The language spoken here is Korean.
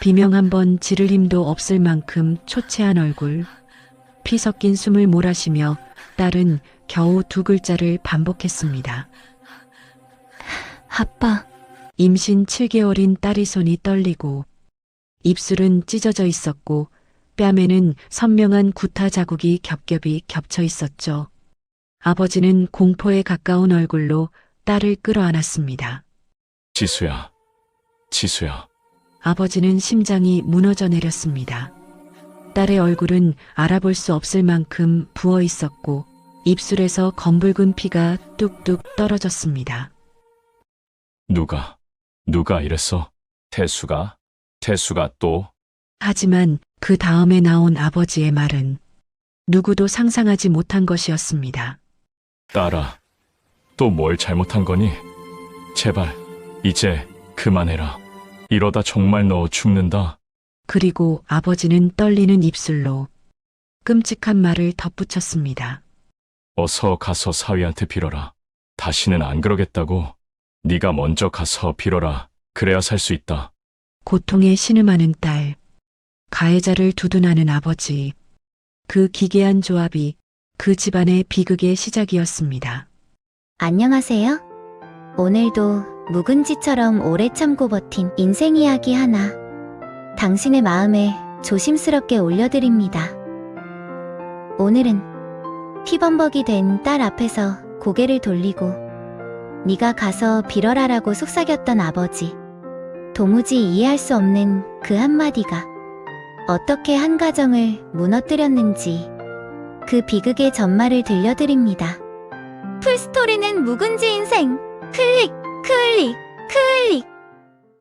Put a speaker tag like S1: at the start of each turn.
S1: 비명 한 번 지를 힘도 없을 만큼 초췌한 얼굴, 피 섞인 숨을 몰아쉬며 딸은 겨우 두 글자를 반복했습니다.
S2: 아빠.
S1: 임신 7개월인 딸의 손이 떨리고 입술은 찢어져 있었고 뺨에는 선명한 구타 자국이 겹겹이 겹쳐 있었죠. 아버지는 공포에 가까운 얼굴로 딸을 끌어안았습니다.
S3: 지수야, 지수야.
S1: 아버지는 심장이 무너져 내렸습니다. 딸의 얼굴은 알아볼 수 없을 만큼 부어 있었고 입술에서 검붉은 피가 뚝뚝 떨어졌습니다.
S3: 누가 이랬어? 태수가 또?
S1: 하지만 그 다음에 나온 아버지의 말은 누구도 상상하지 못한 것이었습니다.
S3: 딸아, 또 뭘 잘못한 거니? 제발, 이제 그만해라. 이러다 정말 너 죽는다.
S1: 그리고 아버지는 떨리는 입술로 끔찍한 말을 덧붙였습니다.
S3: 어서 가서 사위한테 빌어라. 다시는 안 그러겠다고. 네가 먼저 가서 빌어라. 그래야 살 수 있다.
S1: 고통에 신음하는 딸, 가해자를 두둔하는 아버지, 그 기괴한 조합이 그 집안의 비극의 시작이었습니다.
S2: 안녕하세요. 오늘도 묵은지처럼 오래 참고 버틴 인생 이야기 하나 당신의 마음에 조심스럽게 올려드립니다. 오늘은 피범벅이 된 딸 앞에서 고개를 돌리고 네가 가서 빌어라라고 속삭였던 아버지, 도무지 이해할 수 없는 그 한마디가 어떻게 한 가정을 무너뜨렸는지 그 비극의 전말을 들려드립니다. 풀스토리는 묵은지 인생. 클릭 클릭 클릭.